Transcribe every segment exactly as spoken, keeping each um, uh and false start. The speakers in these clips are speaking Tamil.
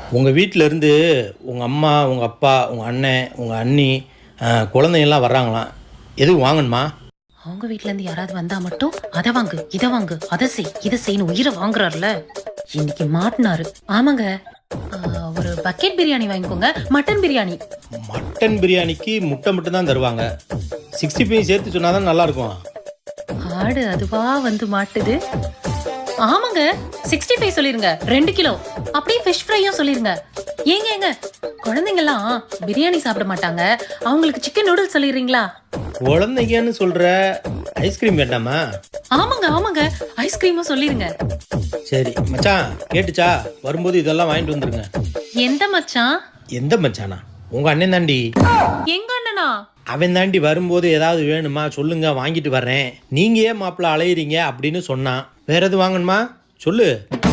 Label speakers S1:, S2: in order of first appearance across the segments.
S1: உங்கள் வீட்டிலேருந்து உங்கள் அம்மா உங்கள் அப்பா உங்கள் அண்ணன் உங்கள் அண்ணி அஹ், குழந்தைங்கள்லாம் வர்றாங்களாம். எதுவும் வாங்கணுமா?
S2: அவங்க வீட்ல இருந்து யாராவது வந்தா மட்டும் அதை வாங்கு இதை வாங்கு அதை செய் இதை செய்யணும் உயிரை வாங்குறாருல. இன்னைக்கு மாட்டினாரு. ஆமாங்க, ஆஹ், ஒரு பக்கெட் பிரியாணி வாங்கிக்கோங்க. மட்டன் பிரியாணி.
S1: மட்டன் பிரியாணிக்கு முட்டை மட்டும் தான் தருவாங்க. சிக்ஸ்டி ஃபைவ் சேர்த்து சொன்னால் தான் நல்லாயிருக்கும்.
S2: ஆடு அதுவா வந்து மாட்டுது. ஆமாங்க, சிக்ஸ்டி ஃபைவ் சொல்லிருங்க, ரெண்டு கிலோ. அப்படியே ஃபிஷ் ஃப்ரையும் சொல்லிருங்க. ஏங்க ஏங்க குழந்தைங்கலாம் பிரியாணி சாப்பிட மாட்டாங்க, அவங்களுக்கு சிக்கன் நூடுல்ஸ் சொல்லிடுறீங்களா?
S1: குழந்தைங்கன்னு சொல்கிற ஐஸ்கிரீம் வேண்டாமா?
S2: ஆமாங்க ஆமாங்க ஐஸ்கிரீமும் சொல்லிருங்க.
S1: சரி மச்சான், கேட்டுச்சா? வரும்போது இதெல்லாம் வாங்கிட்டு வந்துருங்க.
S2: எந்த மச்சான்?
S1: எந்த மச்சானா? உங்கள் அண்ணன் தாண்டி.
S2: எங்க அண்ணனா?
S1: அவன் தாண்டி வரும்போது ஏதாவது வேணுமா சொல்லுங்க, வாங்கிட்டு வர்றேன். நீங்கள் ஏன் மாப்பிள்ள அலையிறீங்க அப்படின்னு சொன்னான். வேற எது வாங்கணுமா சொல்லு.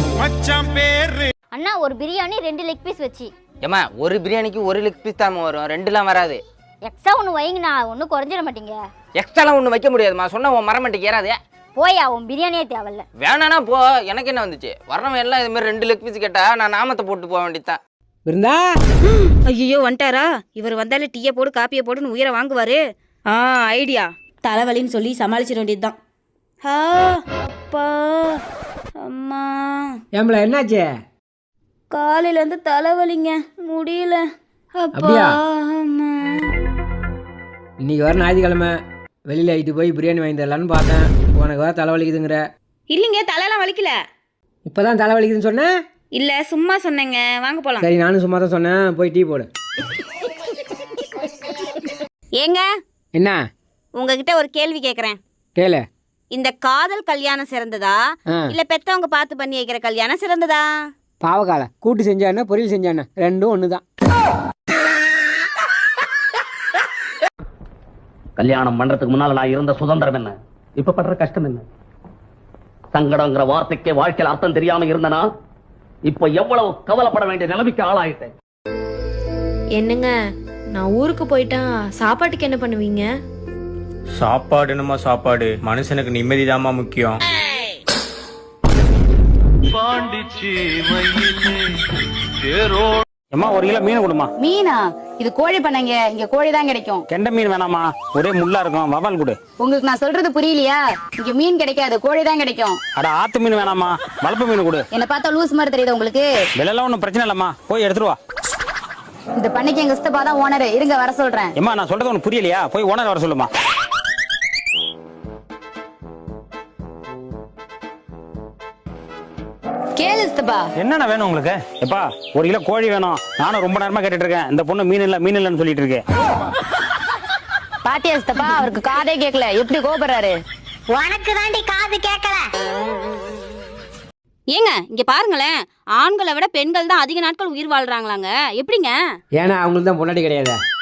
S3: அண்ணா ஒரு பிரியாணி ரெண்டு லெக் பீஸ் வச்சு.
S4: ஏமா ஒரு பிரியாணிக்கு ஒரு லெக் பீஸ் தான் வரும், ரெண்டுலாம் வராது.
S3: எக்ஸ்ட்ரா ஒன்று வைங்கண்ணா, ஒன்றும் குறைஞ்சிட மாட்டீங்க.
S4: எக்ஸ்ட்ராலாம் ஒன்றும் வைக்க முடியாதுமா, சொன்ன உன் மரமண்டைக்கு ஏறாதே.
S3: போயா, உன் பிரியாணியே தேவையில்ல.
S4: வேணானா போ, எனக்கு என்ன வந்துச்சு? வர்றவன் எல்லாம் இது மாதிரி ரெண்டு லெக் பீஸ் கேட்டா நான் நாமத்தை போட்டு போக வேண்டியதான்.
S5: இருந்தா ஐயோ வந்துட்டாரா? இவர் வந்தாலே டீயை போடு காப்பியை போடுன்னு உயிரை வாங்குவாரு. ஆ ஐடியா, தலைவலின்னு சொல்லி சமாளிச்சிட வேண்டியதுதான். ஆ அப்பா அம்மா.
S6: ஏம்பல என்னாச்சு?
S5: காலையிலேருந்து தலைவலிங்க, முடியல. அப்பா
S6: அப்படியா?
S5: அம்மா.
S6: இன்னைக்கு வர ஞாயிற்றுக்கிழமை வெளியில் ஆகிட்டு போய் பிரியாணி வாங்கி தரலான்னு பார்த்தேன். உனக்கு வர தலைவலிக்குதுங்கிற.
S5: இல்லைங்க, தலையெல்லாம் வலிக்கல.
S6: இப்போ தான் தலைவலிக்குதுன்னு சொன்னேன்.
S5: இல்லை சும்மா சொன்னேங்க, வாங்க போகலாம்.
S6: சரி, நானும் சும்மா தான் சொன்னேன். போய் டீ போடு.
S5: ஏங்க,
S6: என்ன?
S5: உங்ககிட்ட ஒரு கேள்வி கேட்குறேன்.
S6: கேளு.
S5: இந்த காதல் கல்யாணம் சிறந்ததா
S6: ஆ
S5: இல்ல பெத்தவங்க பார்த்து பண்ணி வைக்கிற கல்யாணம் சிறந்ததா?
S6: பாவக்கால கூட்டு செஞ்சானே பொரியல் செஞ்சானே ரெண்டும் ஒன்று தான்.
S7: கல்யாணம் பண்றதுக்கு முன்னால நான் இருந்த சுதந்திரம் என்ன, இப்ப படுற கஷ்டம் என்ன? சங்கடங்கிற வார்த்தைக்கே வாழ்க்கையில் அர்த்தம் தெரியாம இருந்தனா இப்ப எவ்வளவு கவலைப்பட வேண்டிய நிலைமைக்கு ஆளாயிட்டேன்.
S8: என்னங்க, நான் ஊருக்கு போயிட்டா சாப்பாட்டுக்கு என்ன பண்ணுவீங்க?
S9: சாப்பாடு என்னமா சாப்பாடு, மனுஷனுக்கு நிம்மதிதாம்மா முக்கியம்.
S7: அம்மா ஒரு கிலோ மீன் கொடுமா.
S10: மீனா? இது கோழி பண்ணைங்க, இங்க கோழி தான் கிடைக்கும்.
S7: கெண்ட மீன் வேணாமா, ஒரே முள்ளா இருக்கும், வவால் கொடு.
S10: உங்களுக்கு நான் சொல்றது புரியலையா? இங்க மீன் கிடைக்காது, கோழி தான் கிடைக்கும்.
S7: அட ஆத்து மீன் வேணாமா, வளர்ப்பு மீன் கொடு.
S10: என்ன பார்த்தா லூஸ் மாதிரி தெரியுது உங்களுக்கு?
S7: விலைலாம் ஒன்றும் பிரச்சனை இல்லம்மா, போய் எடுத்துட்டு வா.
S10: இந்த பண்ணைக்கு எங்க சித்தப்பா தான் ஓனர், இருங்க வர சொல்றேன்.
S7: ஏமா நான் சொல்றது உனக்கு புரியலையா? போய் ஓனர் வர சொல்லுமா.
S10: கேளு சித்தப்பா.
S7: என்னென்ன வேணும் உங்களுக்கு? எப்பா ஒரு கிலோ கோழி வேணும். நானும் ரொம்ப நேரமா கேட்டுட்டு இருக்கேன். இந்த பொண்ணு மீன் இல்ல மீன் இல்லன்னு சொல்லிட்டு இருக்கேன்.
S10: பாட்டியா சித்தப்பா, அவருக்கு காதே கேட்கல, எப்படி கோபப்படுறாரு?
S3: உனக்கு தாண்டி காது கேட்கல.
S5: ஏங்க இங்க பாருங்களேன், ஆண்களை விட பெண்கள் தான் அதிக நாட்கள் உயிர் வாழ்றாங்களாங்க, எப்படிங்க?
S6: ஏன்னா அவங்களுக்கு தான் பொண்டாட்டி கிடையாது.